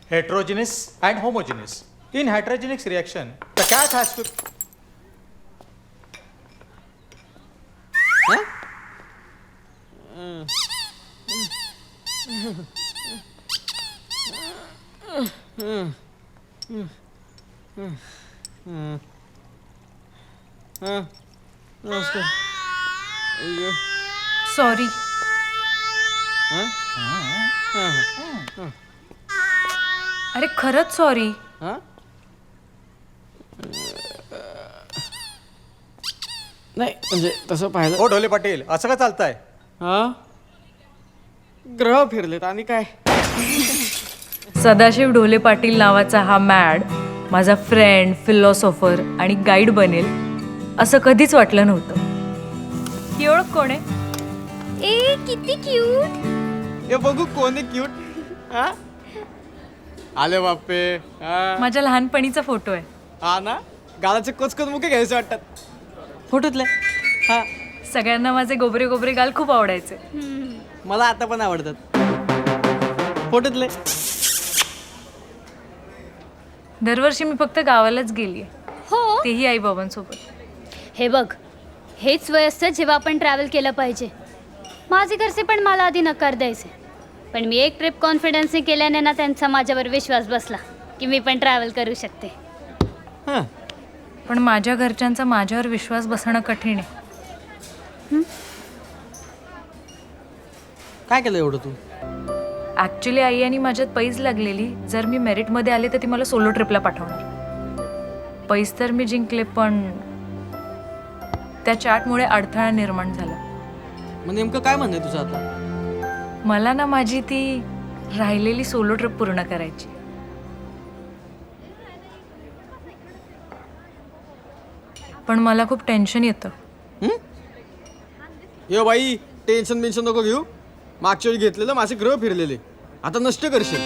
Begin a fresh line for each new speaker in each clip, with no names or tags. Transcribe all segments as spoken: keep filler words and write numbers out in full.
heterogeneous and homogeneous. In heterogeneous reaction, the cat has to.
Huh?
Sorry. अरे खरंच sorry.
नाही म्हणजे तसं पाहिलं.
हो ढोले पाटील, असं का चालतंय?
हा ग्रह फिरलेत आणि काय.
सदाशिव ढोले पाटील नावाचा हा मॅड माझा फ्रेंड, फिलॉसॉफर आणि गाईड बनेल असं कधीच वाटलं नव्हतं. ही ओळख कोण आहे?
ए किती क्यूट.
हे बघू कोणी क्यूट. हा आले बाप्पे. हा
माझ्या लहानपणीचा फोटो आहे.
हा ना, गालाचे कोचकोच मुके घ्यायचे वाटतात फोटोतले. हा
सगळ्यांना माझे गोबरे गोबरे गाल खूप आवडायचे.
मला आता पण आवडतात फोटोतले.
दरवर्षी मी फक्त गावालाच गेलीये,
हो
तेही आई बाबांसोबत.
हे बघ, हेच वय असतं जेव्हा आपण ट्रॅव्हल केलं पाहिजे. माझे घरचे पण मला आधी नकार द्यायचे, पण मी एक ट्रिप कॉन्फिडन्सने केल्याने ना त्यांचा माझ्यावर विश्वास बसला की मी पण ट्रॅव्हल करू शकते.
हा
पण माझ्या घरच्यांचा माझ्यावर विश्वास बसणं कठीण आहे.
काय केलं एवढं तू?
ॲक्च्युली आई आणि माझ्यात पैज लागलेली, जर मी मेरिटमध्ये आले तर ती मला सोलो ट्रिपला पाठवणार. पैज तर मी जिंकले, पण त्या चार्टमुळे अडथळा निर्माण झाला.
मग नेमकं काय म्हणणं आहे तुझं आता?
मला ना माझी ती राहिलेली सोलो ट्रिप पूर्ण करायची. पण मला खूप टेन्शन येतं.
यो बाई, टेन्शन बिन्शन नको घेऊ. मागच्या वेळी घेतलेलं माझे ग्रह फिरलेले, आता नष्ट करशील.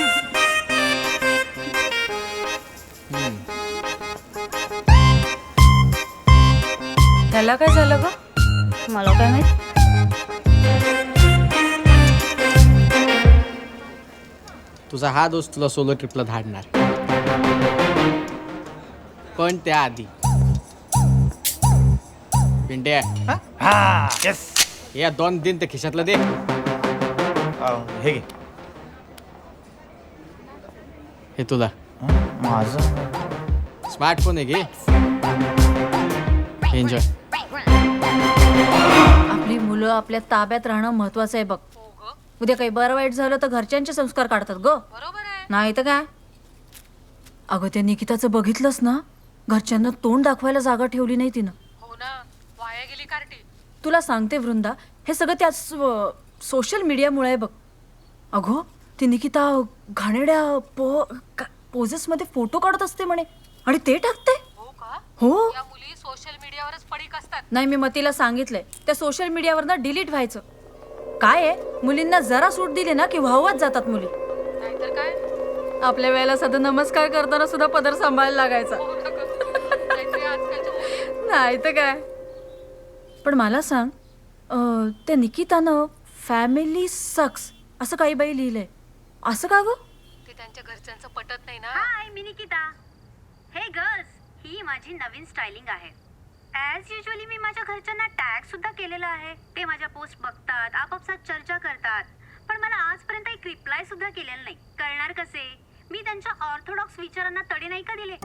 त्याला काय झालं ग?
मला काय माहित.
तुझा हा दोस्त तुला सोलो ट्रिपला धाडणार, पण त्याआधी पिंट्या
हा येस.
या दोन दिन ते खिशातलं दे.
हे घे.
हे तुला
माझं
स्मार्टफोन आहे, घे एन्जॉय.
आपली मुलं आपल्या ताब्यात राहणं महत्वाचं आहे बघ. उद्या काही बरं वाईट झालं तर घरच्यांचे संस्कार काढतात ग. नाही तर काय. अगं त्या निकिताचं बघितलंस ना, घरच्यांना तोंड दाखवायला जागा ठेवली नाही तिनं.
हो ना, वाया गेली कार्टी.
तुला सांगते वृंदा, हे सगळं त्या सोशल मीडियामुळे आहे बघ. अगो ती निकिता घाणेड्या पो पोजेस मध्ये फोटो काढत असते म्हणे आणि ते टाकते. हो
या मुली सोशल मीडियावरच पडीक असतात.
नाही, मी मतीला सांगितलंय त्या सोशल मीडियावरनं डिलीट व्हायचं. काय आहे, मुलींना जरा सूट दिली ना की वाहवाच जातात मुली.
नाहीतर काय.
आपल्या वेळेला साधं नमस्कार करताना सुद्धा पदर सांभाळायला लागायचा. नाही तर काय. पण मला सांग, अं, त्या निकितानं फॅमिली सक्स असं काही बाई लिहिलंय, असं का गं?
ते त्यांच्या घरच्यांचं पटत नाही ना.
हाय मी निकिता. हे गर्ल्स, ही माझी नवीन स्टायलिंग आहे. ॲज युजली मी माझ्या घरच्यांना टॅग सुद्धा केलेला आहे. ते माझ्या पोस्ट बघतात, आपापसात चर्चा करतात, पण मला आजपर्यंत एक रिप्लाय सुद्धा केलेला नाही. करणार कसे? मी त्यांच्या ऑर्थोडॉक्स विचारांना तडे नाही का दिले?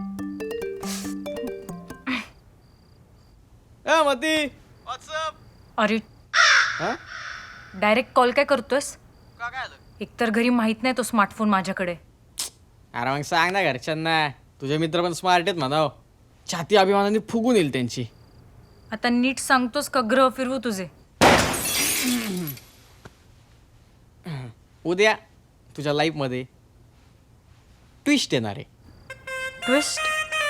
ए मती, व्हॉट्सअप.
अरे
हा
डायरेक्ट कॉल काय करतोयस?
का काय आलं?
एकतर घरी माहित नाही तो स्मार्टफोन माझ्याकडे.
अरे मग सांग ना घरच्यांना, तुझे मित्र पण स्मार्ट आहेत म्हणाव. छाती अभिमानाने फुगून येईल त्यांची.
आता नीट सांगतोस का ग्रह फिरवू तुझे?
उद्या तुझ्या लाईफमध्ये ट्विस्ट येणार आहे.
ट्विस्ट?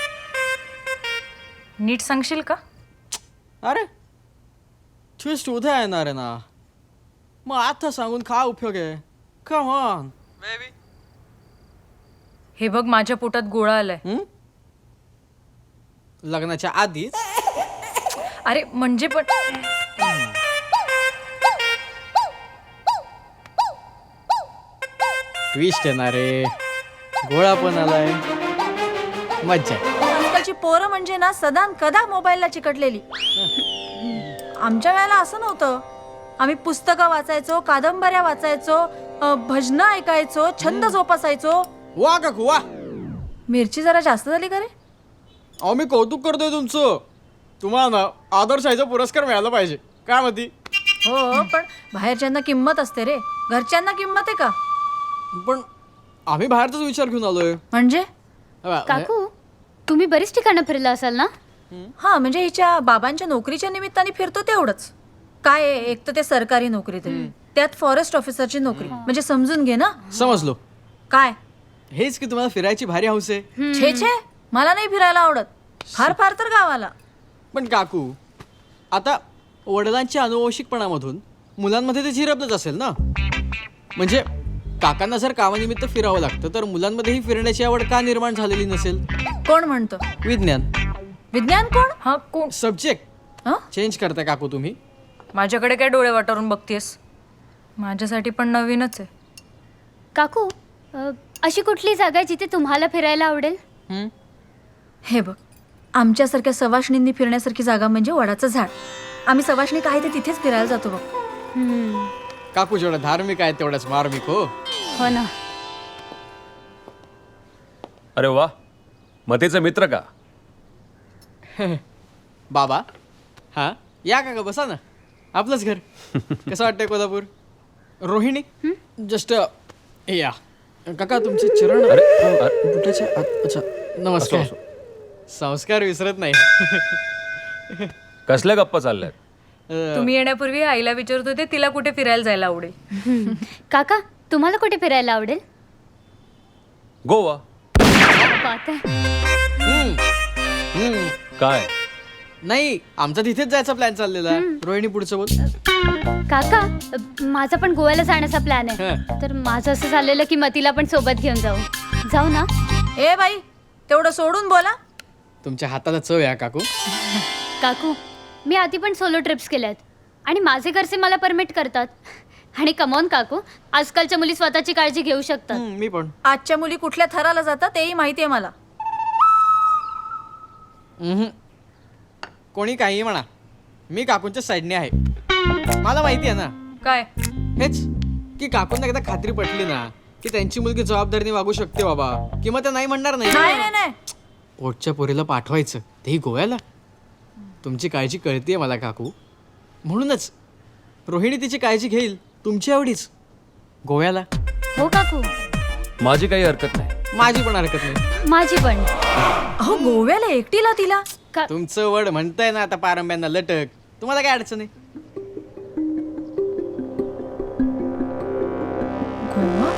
नीट सांगशील का?
अरे ट्विस्ट उद्या येणार आहे ना, मग आता सांगून काय उपयोग आहे? Come on baby.
हे बघ, माझ्या पोटात गोळा आलाय.
लग्नाच्या आधीच?
अरे म्हणजे पण
ट्विस्ट येणार आहे. गोळा पण आलाय, मज्जा आहे.
आजकालची पोरं म्हणजे ना सदा न कदा मोबाईलला चिकटलेली. आमच्या वेळेला असं नव्हतं. आम्ही पुस्तकं वाचायचो, कादंबऱ्या वाचायचो, अ, भजनं ऐकायचो, छंद जोपासायचो.
वा काकू वा.
मिरची जरा जास्त झाली का रे?
अहो मी कौतुक करतोय तुमचं. तुम्हाला ना आदर्श आईचा पुरस्कार मिळाला पाहिजे. काय म्हणती?
हो, पण बाहेरच्यांना किंमत असते रे, घरच्यांना किंमत आहे का?
पण आम्ही बाहेरचाच विचार घेऊन आलोय.
म्हणजे
अबा,
काकू तुम्ही बरीच ठिकाणं फिरला असाल ना?
हा, म्हणजे हिच्या बाबांच्या नोकरीच्या निमित्ताने फिरतो तेवढंच. काय आहे, एक तर ते सरकारी नोकरी, तरी त्यात फॉरेस्ट ऑफिसरची नोकरी, म्हणजे समजून घे ना.
समजलो.
काय
हेच की तुम्हाला फिरायची भारी हौस आहे.
छे छे, मला नाही फिरायला आवडत. फार फार तर गावाला.
पण काकू, आता वडिलांच्या अनुवंशिकपणामधून मुलांमध्ये ते झिरपलंच असेल ना. म्हणजे काकांना जर कामानिमित्त फिरावं लागतं तर मुलांमध्येही फिरण्याची आवड का निर्माण झालेली नसेल?
कोण म्हणतो?
विज्ञान.
विज्ञान कोण?
हा कोण?
सब्जेक्ट
हं?
चेंज करताय काकू तुम्ही.
माझ्याकडे काय डोळे वाटारून बघतेस? माझ्यासाठी पण नवीनच आहे.
काकू अ, अशी कुठली जागा आहे जिथे तुम्हाला फिरायला आवडेल?
हं?
हे बघ, आमच्यासारख्या सवाष्णींनी फिरण्यासारखी जागा म्हणजे वडाचं झाड. आम्ही सवाष्णी काय ते तिथेच फिरायला जातो बघ.
हम्म,
काकू जेवढा धार्मिक आहे तेवढाच मार्मिक. हो.
हो ना.
अरे वा, मतेचा मित्र का?
बाबा. हा या काका, बसा ना. आपलंच घर. कसं वाटतंय कोल्हापूर? रोहिणी जस्ट या. काका तुमचे चरण.
अरे अरे,
बुटाच्या आत- अच्छा नमस्कार.
असो,
संस्कार विसरत नाही.
कसल्या गप्पा चालल्यात?
अ,
तुम्ही येण्यापूर्वी आईला विचारत होते तिला कुठे फिरायला जायला आवडेल.
हम्म. काका तुम्हाला कुठे फिरायला आवडेल?
गोवा.
बात आहे.
हम्म, हम्म.
काय?
नाही, आमचा तिथेच जायचा प्लॅन चाललेला आहे. रोहिणी पुढचं बोल.
काका अ, माझा पण गोव्याला जाण्याचा प्लॅन आहे.
हं.
तर माझं असं झालेलं की मतीला पण सोबत घेऊन जाऊ. जाऊ ना?
ए बाई, तेवढं सोडून बोला.
तुमच्या हाताला चव या काकू.
काकू मी आधी पण सोलो ट्रिप्स केल्या आहेत आणि माझे घरचे मला परमिट करतात. आणि कमॉन काकू, आजकालच्या मुली स्वतःची काळजी घेऊ शकतात.
हम्म, मी पण.
आजच्या मुली कुठल्या थराला जातात तेही माहिती आहे मला.
हम्म. कोणी काही म्हणा, मी काकूंच्या साईडने आहे. मला माहिती आहे ना
काय?
हेच की काकूंना एकदा खात्री पटली ना की त्यांची मुलगी जबाबदारीने वागू शकते बाबा, किंवा त्या नाही म्हणणार
नाही
नाही.
नाही नाही,
पोटच्या पोरीला पाठवायचं, तेही गोव्याला. तुमची काळजी कळतीये मला काकू. म्हणूनच रोहिणी तिची काळजी घेईल तुमची आवडीच गोव्याला.
हो काकू,
माझी काही हरकत नाही.
माझी पण हरकत नाही.
माझी पण.
अहो गोव्याला एकटीला तिला?
का
तुमचं वड म्हणताय ना आता पारंब्यांना लटक. तुम्हाला काय अडचण आहे?
गोवा?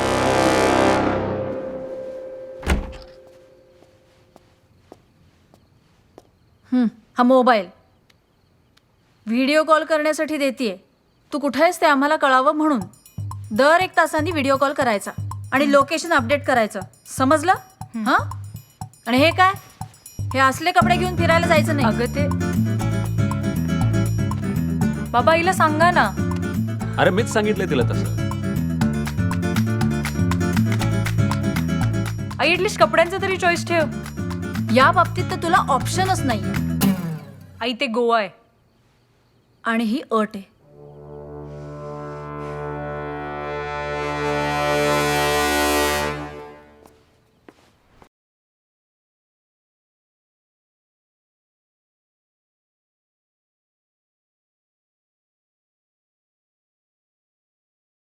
हं, हा मोबाईल व्हिडिओ कॉल करण्यासाठी देतीये. तू कुठे आहेस ते आम्हाला कळावं म्हणून. दर एक तासांनी व्हिडिओ कॉल करायचा आणि लोकेशन अपडेट करायचं, समजलं? हां. आणि हे काय, हे असले कपडे घेऊन फिरायला जायचं नाही.
अगं ते बाबा आईला सांगा ना.
अरे मीच सांगितलंय तिला तसं.
आई ऍटलिस्ट कपड्यांचं तरी चॉईस ठेव.
या बाबतीत तर तुला ऑप्शनच नाहीये.
आई ते गोवा आहे.
आणि ही अट आहे,